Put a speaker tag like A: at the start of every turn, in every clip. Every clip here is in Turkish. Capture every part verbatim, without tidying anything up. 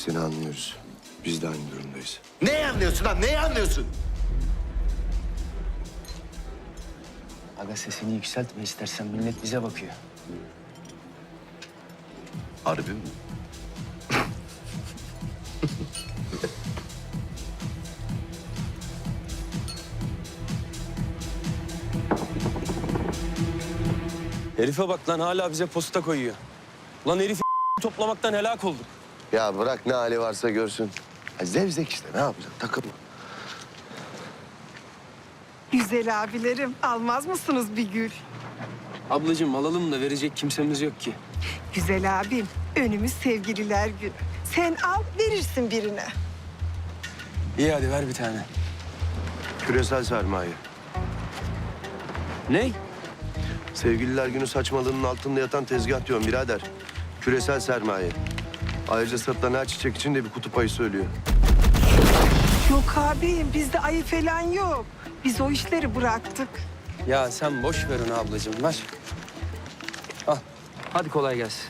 A: seni anlıyoruz. Biz de aynı durumdayız.
B: Neyi anlıyorsun lan? Neyi anlıyorsun?
C: Aga sesini yükseltme istersen, millet bize bakıyor.
B: Harbi mi?
D: Herife bak lan, hala bize posta koyuyor. Lan herif toplamaktan helak olduk.
A: Ya bırak, ne hali varsa görsün. Ya zevzek işte, ne yapacaksın? Takılma.
E: Güzel abilerim, almaz mısınız bir gül?
D: Ablacığım alalım da verecek kimsemiz yok ki.
E: Güzel abim, önümüz sevgililer günü. Sen al, verirsin birine.
D: İyi hadi ver bir tane.
A: Küresel sermaye.
D: Ney?
A: Sevgililer günü saçmalığının altında yatan tezgah diyorum birader. Küresel sermaye. Ayrıca sırtlan her çiçek için de bir kutup ayı söylüyor.
E: Yok abim, bizde ayı falan yok. Biz o işleri bıraktık.
D: Ya sen boş ver onu ablacığım, ver. Al. Hadi kolay gelsin.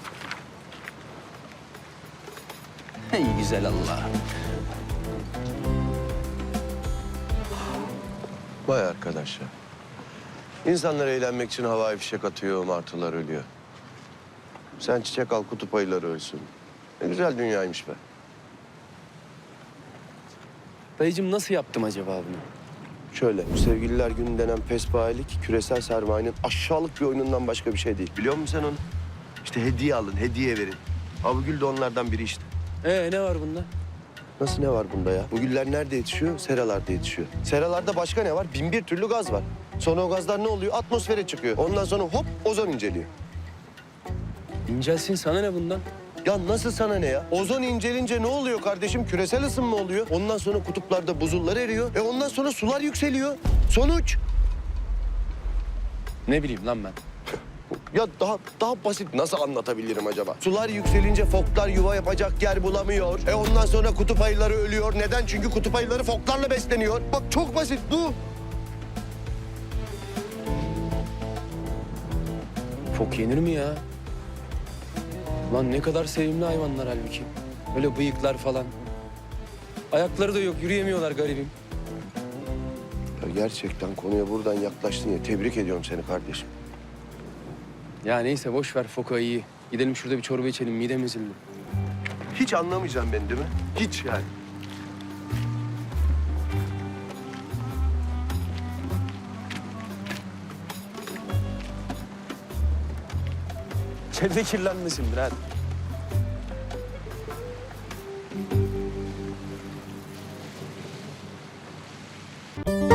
D: Ey güzel Allah.
A: Vay arkadaş ya. İnsanlar eğlenmek için havai fişek atıyor, martılar ölüyor. Sen çiçek al, kutup ayıları ölsün. Ne güzel dünyaymış be.
D: Dayıcığım nasıl yaptım acaba bunu?
A: Şöyle, bu sevgililer günü denen pespayelik küresel sermayenin aşağılık bir oyunundan başka bir şey değil. Biliyor musun sen onu? İşte hediye alın, hediye verin. Ha bu gül de onlardan biri işte.
D: Ee ne var bunda?
A: Nasıl ne var bunda ya? Bu güller nerede yetişiyor? Seralarda yetişiyor. Seralarda başka ne var? Bin bir türlü gaz var. Sonra o gazlar ne oluyor? Atmosfere çıkıyor. Ondan sonra hop ozon inceliyor.
D: İncelsin, sana ne bundan?
A: Ya nasıl sana ne ya? Ozon incelince ne oluyor kardeşim? Küresel ısınma oluyor. Ondan sonra kutuplarda buzullar eriyor. E ondan sonra sular yükseliyor. Sonuç?
D: Ne bileyim lan ben.
A: Ya daha daha basit nasıl anlatabilirim acaba? Sular yükselince foklar yuva yapacak yer bulamıyor. E ondan sonra kutup ayıları ölüyor. Neden? Çünkü kutup ayıları foklarla besleniyor. Bak çok basit bu.
D: Fok yenir mi ya? Lan ne kadar sevimli hayvanlar halbuki. Öyle bıyıklar falan. Ayakları da yok, yürüyemiyorlar garibim.
A: Ya gerçekten konuya buradan yaklaştın ya. Tebrik ediyorum seni kardeşim.
D: Ya neyse boş ver, foka iyi. Gidelim şurada bir çorba içelim, midem ezildi.
A: Hiç anlamayacaksın beni değil mi? Hiç yani.
D: Çevre kirlenmesindir hadi.